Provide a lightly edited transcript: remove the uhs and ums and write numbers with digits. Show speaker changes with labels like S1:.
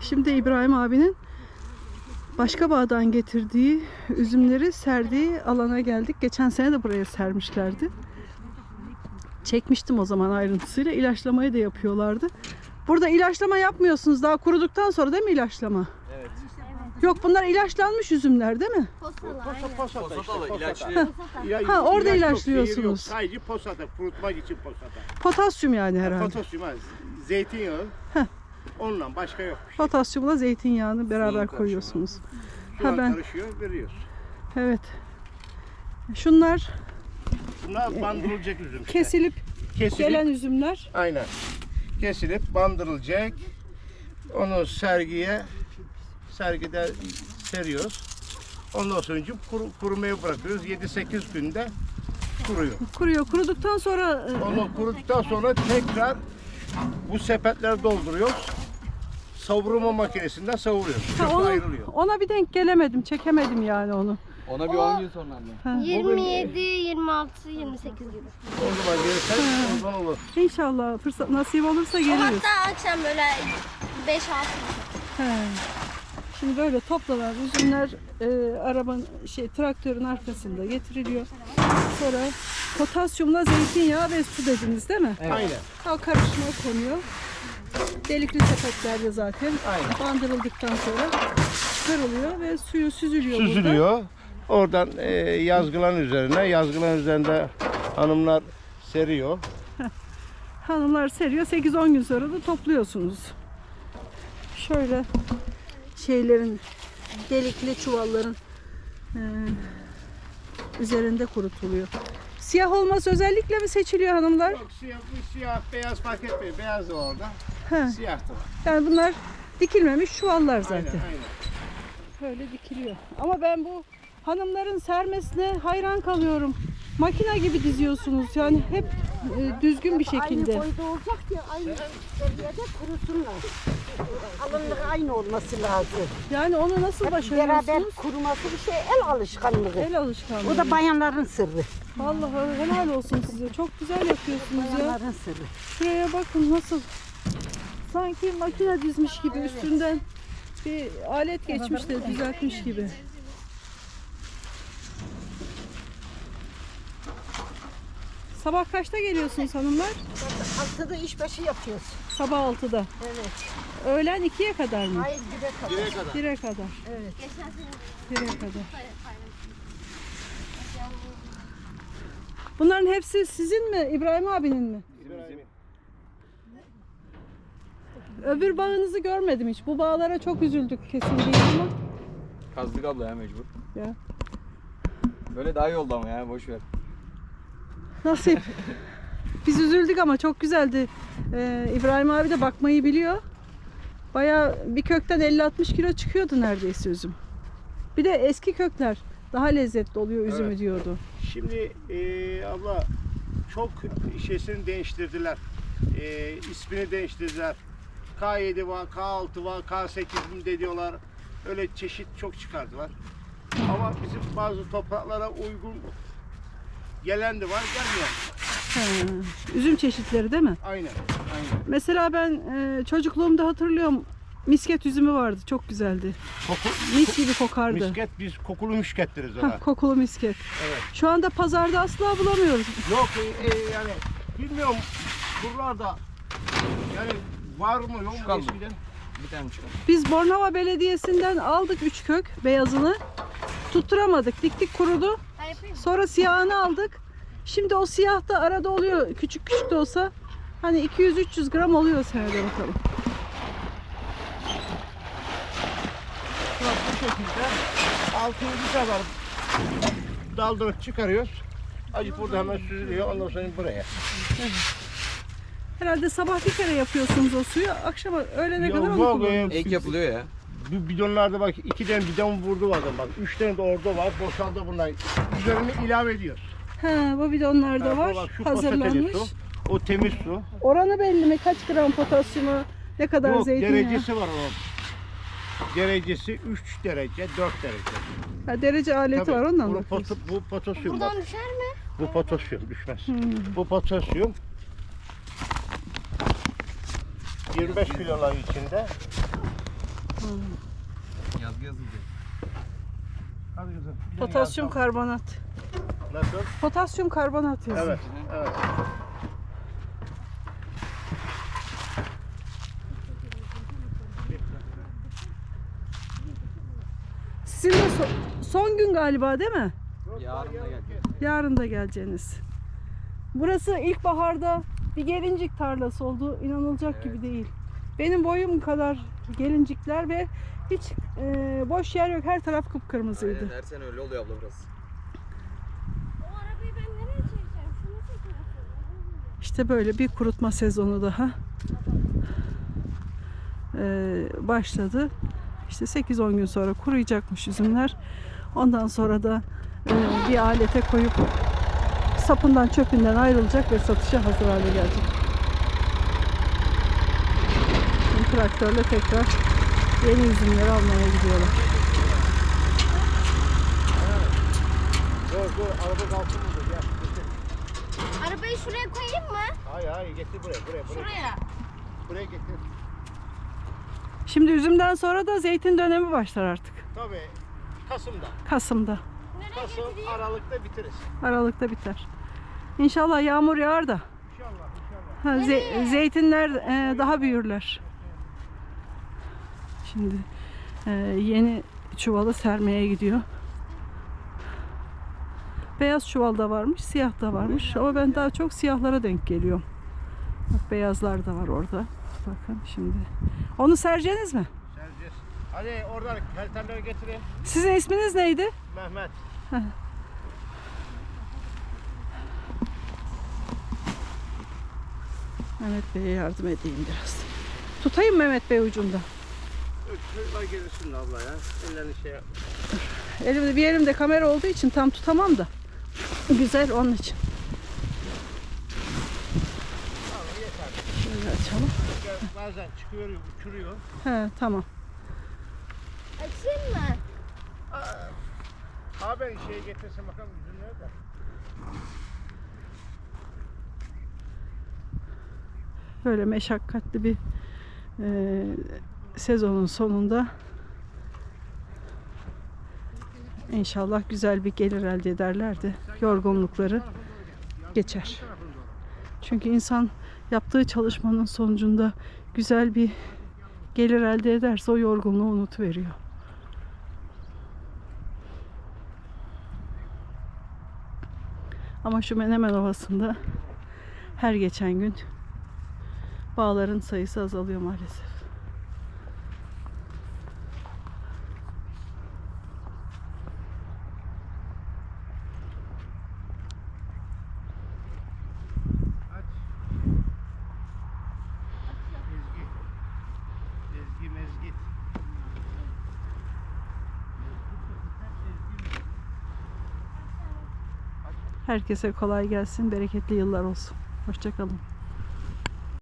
S1: Şimdi İbrahim abinin başka bağdan getirdiği üzümleri serdiği alana geldik. Geçen sene de buraya sermişlerdi. Çekmiştim o zaman ayrıntısıyla. İlaçlamayı da yapıyorlardı. Burada ilaçlama yapmıyorsunuz daha kuruduktan sonra, değil mi ilaçlama?
S2: Evet.
S1: Yok, bunlar ilaçlanmış üzümler değil mi?
S2: Posatalı ilaçlı.
S1: Ha, orada
S3: ilaç yok,
S1: ilaçlıyorsunuz.
S3: zehir yok. Sadece posata, kurutmak için posata.
S1: Potasyum yani herhalde.
S3: Potasyum, zeytinyağı. Onunla başka yok.
S1: Potasyumla zeytinyağını beraber
S2: karışımı.
S1: koyuyorsunuz.
S3: Sular
S1: ben
S3: karışıyor, veriyoruz.
S1: evet. Şunlar
S3: Bunlar bandırılacak üzüm işte.
S1: kesilip gelen üzümler.
S3: Aynen. Kesilip bandırılacak. Onu sergide seriyoruz. Ondan sonra kurumaya bırakıyoruz. 7-8 günde kuruyor.
S1: Kuruyor. Kuruduktan sonra
S3: Onu kuruduktan sonra tekrar bu sepetleri dolduruyoruz. Savurma makinesinden savuruyoruz.
S1: ha,
S3: Kökü ayrılıyor.
S1: ona bir denk gelemedim. Çekemedim yani onu.
S2: Ona bir 10 gün sonra anne.
S1: Ha.
S4: 27, 26, 28 gibi.
S3: O zaman gelirsen o zaman olur.
S1: İnşallah fırsat nasip olursa geliriz.
S4: Hatta akşam böyle 5-6
S1: He. Şimdi böyle toplanan üzümler traktörün arkasında getiriliyor. Sonra potasyumla zeytinyağı ve su dediniz değil mi?
S2: Evet.
S3: Aynen.
S1: O karışıma konuyor. Delikli sepetlerde zaten
S3: Aynen.
S1: bandırıldıktan sonra çıkarılıyor ve suyu süzülüyor burada.
S3: Süzülüyor. Oradan yazgılan üzerinde hanımlar seriyor.
S1: Hanımlar seriyor. 8-10 gün sonra da topluyorsunuz. Şöyle şeylerin, delikli çuvalların üzerinde kurutuluyor. Siyah olması özellikle mi seçiliyor hanımlar?
S3: Yok, siyah, beyaz fark etmiyor. Beyaz da orada.
S1: He.
S3: Siyah da var.
S1: Yani bunlar dikilmemiş çuvallar zaten.
S3: Aynen.
S1: Böyle dikiliyor. Ama ben bu hanımların sermesine hayran kalıyorum. Makine gibi diziyorsunuz. Yani hep düzgün bir şekilde.
S5: Aynı boyda olacak ki aynı seviyede kurusunlar. Kalınlığı aynı olması lazım.
S1: Yani onu nasıl
S5: Beraber
S1: başarıyorsunuz?
S5: kuruması bir şey, el alışkanlığı.
S1: El alışkanlığı.
S5: O da bayanların sırrı.
S1: Vallahi helal olsun size. Çok güzel yapıyorsunuz ya.
S5: Bayanların sırrı.
S1: Şuraya bakın nasıl. Sanki makine dizmiş gibi üstünden bir alet geçmiş de düzeltmiş gibi. Sabah kaçta geliyorsunuz hanımlar?
S5: 6'da işbaşı yapıyoruz.
S1: Sabah 6'da.
S5: Evet.
S1: Öğlen 2'ye kadar mı?
S5: Hayır, 1'e kadar.
S1: 1'e kadar.
S5: Evet.
S1: 1'e kadar. Bunların hepsi sizin mi? İbrahim abinin mi? Öbür bağınızı görmedim hiç. Bu bağlara çok üzüldük kesildiği ama.
S2: Kazdık abla ya mecbur.
S1: Ya.
S2: Böyle daha iyi oldu ama ya boş ver.
S1: Nasip. Biz üzüldük ama çok güzeldi. İbrahim abi de bakmayı biliyor. Bayağı bir kökten 50-60 kilo çıkıyordu neredeyse üzüm. Bir de eski kökler daha lezzetli oluyor üzümü
S3: Evet.
S1: diyordu.
S3: Şimdi abla çok şeysini değiştirdiler. İsmini değiştirdiler. K7 var, K6 var, K8 mi de diyorlar. Öyle çeşit çok çıkardılar. Ama bizim bazı topraklara uygun gelen de var, gelmeyen de var.
S1: Üzüm çeşitleri değil mi?
S3: Aynen.
S1: Mesela ben çocukluğumda hatırlıyorum, misket üzümü vardı. Çok güzeldi. Mis gibi kokardı.
S3: Misket, biz kokulu misket deriz ona.
S1: Hah, kokulu misket.
S3: Evet.
S1: Şu anda pazarda asla bulamıyoruz.
S3: Yok yani bilmiyorum buralarda yani var mı yok mu
S2: Çıkalım.
S3: eskiden?
S2: Bir tane çıkalım.
S1: Biz Bornova Belediyesi'nden aldık 3 kök beyazını. Tutturamadık. Diktik kurudu. Sonra siyahını aldık. Şimdi o siyah da arada oluyor. Küçük küçük de olsa hani 200-300 gram oluyor senede bakalım.
S3: Bak bu şekilde 6-7 kadar daldırıp çıkarıyoruz. Acık burada hemen süzülüyor. Ondan sonra buraya.
S1: Herhalde sabah bir kere yapıyorsunuz o suyu. Akşama öğlene kadar onu
S3: Yok,
S1: kullanıyorsunuz.
S2: Ek yapılıyor ya.
S3: bu bidonlarda bak 2 tane bidon vurdu var bak. 3 tane de orada var. Boşaldı bunlar. Üzerine ilave ediyoruz.
S1: Ha, bu bidonlar da
S3: Ha,
S1: var.
S3: bak, şu
S1: Hazırlanmış.
S3: poşeteli su, o temiz su.
S1: Oranı belli mi? Kaç gram potasyumu, ne kadar
S3: Yok,
S1: zeytinyağı?
S3: derecesi var onun. Derecesi 3 derece, 4 derece.
S1: Ha, derece aleti
S3: Tabii,
S1: var ondan
S3: bu
S1: bakıyorsun.
S3: bu potasyum bak.
S4: Buradan düşer mi?
S3: Bu potasyum düşmez. Bu potasyum 25 kilolar içinde
S2: Yazgı yazıldı.
S3: Hadi kızım.
S1: Potasyum karbonat.
S3: Nasıl?
S1: Potasyum karbonat yazıyor.
S3: Evet. Evet.
S1: Sizin de son gün galiba değil mi?
S2: Yarın da gelecek.
S1: Yarın da geleceğiniz. Burası ilkbaharda bir gelincik tarlası oldu. İnanılacak
S2: Evet.
S1: gibi değil. Benim boyum kadar gelincikler ve hiç boş yer yok. Her taraf kıpkırmızıydı.
S2: Aynen, her sene öyle oluyor abla burası.
S4: O arabayı ben nereye çekeceğim? Şunu çekeceğim.
S1: İşte böyle bir kurutma sezonu daha başladı. İşte 8-10 gün sonra kuruyacakmış üzümler. Ondan sonra da bir alete koyup sapından çöpünden ayrılacak ve satışa hazır hale gelecek. Şimdi traktörle tekrar yeni üzümleri almaya gidiyorlar.
S3: Dur araba kalsın burada. Gel getir.
S4: Arabayı şuraya koyayım mı?
S3: Hayır getir buraya.
S4: Şuraya.
S3: Buraya getir.
S1: Şimdi üzümden sonra da zeytin dönemi başlar artık.
S3: Tabii. Kasım'da.
S1: Kasım'da.
S4: Nereye
S3: Kasım,
S4: getireyim?
S3: Aralık'ta biteriz.
S1: Aralıkta biter. İnşallah yağmur yağar da
S3: İnşallah.
S1: zeytinler daha büyürler. Şimdi yeni çuvalı sermeye gidiyor. Beyaz çuval da varmış, siyah da varmış. Ama ben daha çok siyahlara denk geliyorum. Bak beyazlar da var orada. Bakın şimdi. Onu sereceğiniz mi?
S3: Sereceğiz. Hadi oradan kaliterleri getirin.
S1: Sizin isminiz neydi?
S3: Mehmet.
S1: Mehmet Bey'e yardım edeyim biraz. Tutayım Mehmet Bey ucunda.
S3: Çocuklar gelirsin de abla ya. Ellerini şey yap.
S1: Elimde bir elimde kamera olduğu için tam tutamam da. Güzel onun için.
S3: Tamam yeter.
S1: Şöyle açalım.
S3: Bazen çıkıyor, uçuruyor.
S1: He tamam.
S4: Açayım mı?
S3: Abi ben şeye getirsin bakalım üzümleri de.
S1: Böyle meşakkatli bir sezonun sonunda inşallah güzel bir gelir elde ederler de yorgunlukları geçer. Çünkü insan yaptığı çalışmanın sonucunda güzel bir gelir elde ederse o yorgunluğu unutuveriyor. Ama şu Menemen Ovası'nda her geçen gün bağların sayısı azalıyor maalesef.
S3: Aç. Ezgi mezgit.
S1: Herkese kolay gelsin, bereketli yıllar olsun. Hoşça kalın.